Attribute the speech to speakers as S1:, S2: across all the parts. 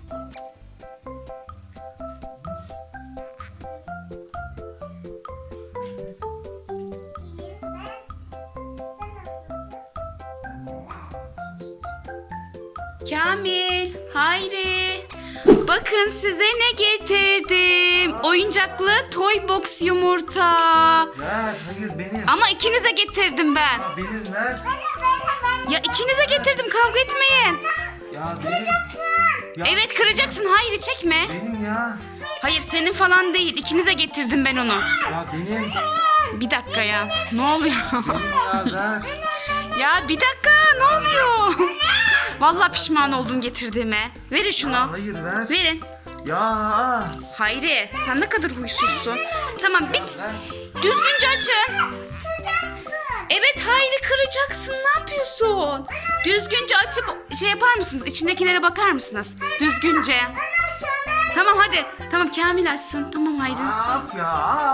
S1: Kamil, Hayri. Bakın size ne getirdim. Oyuncaklı toy box yumurta.
S2: Ver, hayır benim.
S1: Ama ikinize getirdim ben.
S2: Benim ver.
S1: Ya ikinize getirdim, kavga etmeyin.
S2: Ya benim. Ya,
S1: Evet, kıracaksın. Hayri, çekme.
S2: benim ya.
S1: Hayır, senin falan değil. İkinize getirdim ben onu.
S2: Ya benim.
S1: Bir dakika ya. Ne oluyor?
S2: Benim ya ver.
S1: Ya bir dakika, ne oluyor? Vallahi pişman oldum getirdiğime. Verin şunu.
S2: Hayır ver.
S1: Verin.
S2: Ya.
S1: Hayri, sen ne kadar huysuzsun. Tamam, bit. Düzgünce açın. Evet Hayri, kıracaksın. Ne yapıyorsun? Düzgünce açıp şey yapar mısınız? İçindekilere bakar mısınız? Düzgünce. Tamam hadi. Tamam, Kamil açsın. Tamam Hayri.
S2: Af ya.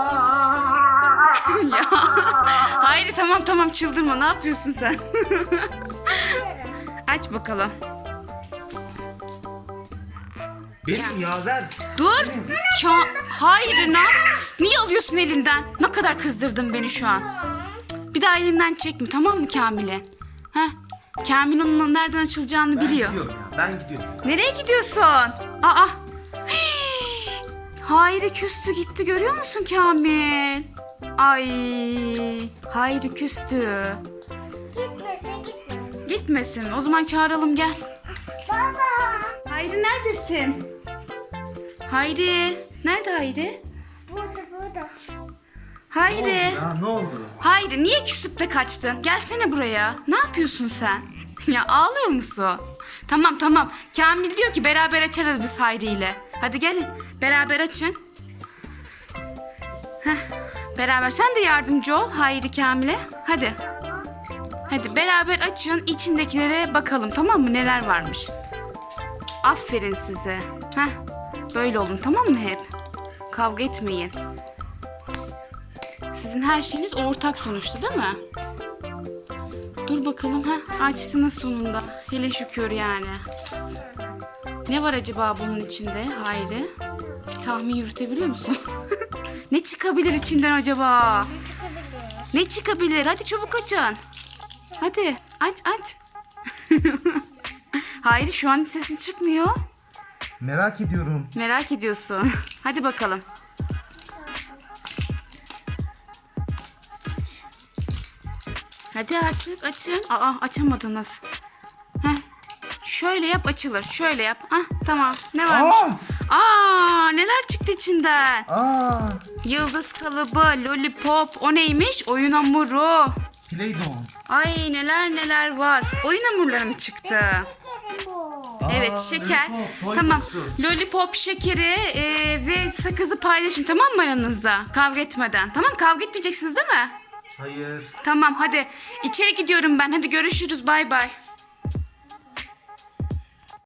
S1: Ya. Hayri tamam çıldırma. Ne yapıyorsun sen? Aç bakalım.
S2: Benim ya ver.
S1: Dur. Hayri niye alıyorsun elinden? Ne kadar kızdırdın beni şu an. Bir daha elinden çekme, tamam mı Kamil'e? Heh. Kamil onun nereden açılacağını
S2: Ben
S1: biliyor.
S2: gidiyorum ya. Ben gidiyorum ya.
S1: Nereye gidiyorsun? Aa. Hayri küstü gitti, görüyor musun Kamil? Ay. Hayri küstü.
S3: Gitmesin.
S1: Gitmesin. O zaman çağıralım, gel.
S3: Baba.
S1: Hayri neredesin? Hayri. Nerede Hayri?
S3: Burada.
S1: Hayri.
S2: Ya ne oldu?
S1: Hayri, niye küsüp de kaçtın? Gelsene buraya. Ne yapıyorsun sen? Ya ağlıyor musun? Tamam. Kamil diyor ki beraber açarız biz Hayri ile. Hadi gelin. Beraber açın. Heh, beraber. Sen de yardımcı ol Hayri Kamil'e. Hadi. Hadi beraber açın. İçindekilere bakalım, tamam mı? Neler varmış. Aferin size. Heh, böyle olun, tamam mı hep? Kavga etmeyin. Sizin her şeyiniz ortak sonuçta, değil mi? Dur bakalım. Açtınız sonunda. Hele şükür yani. Ne var acaba bunun içinde Hayri? Bir tahmin yürütebiliyor musun? Ne çıkabilir içinden acaba? Ne çıkabilir? Hadi çabuk açın. Hadi aç. Hayri, şu an sesin çıkmıyor.
S2: Merak ediyorum.
S1: Merak ediyorsun. Hadi bakalım. Hadi artık açın. Açamadınız. Heh. Şöyle yap, açılır. Şöyle yap. Tamam. Ne varmış? Neler çıktı içinden? Yıldız kalıbı, lollipop. O neymiş? Oyun hamuru.
S2: Play-Doh.
S1: Ay neler var. Oyun hamurları mı çıktı?
S3: Şekerim bu.
S1: Evet, şeker.
S2: Lollipop, toy
S1: Tamam.
S2: box'u.
S1: Lollipop, şekeri ve sakızı paylaşın, tamam mı aranızda? Kavga etmeden. Tamam, kavga etmeyeceksiniz değil mi?
S2: Hayır.
S1: Tamam hadi. İçeri gidiyorum ben. Hadi görüşürüz. Bay bay.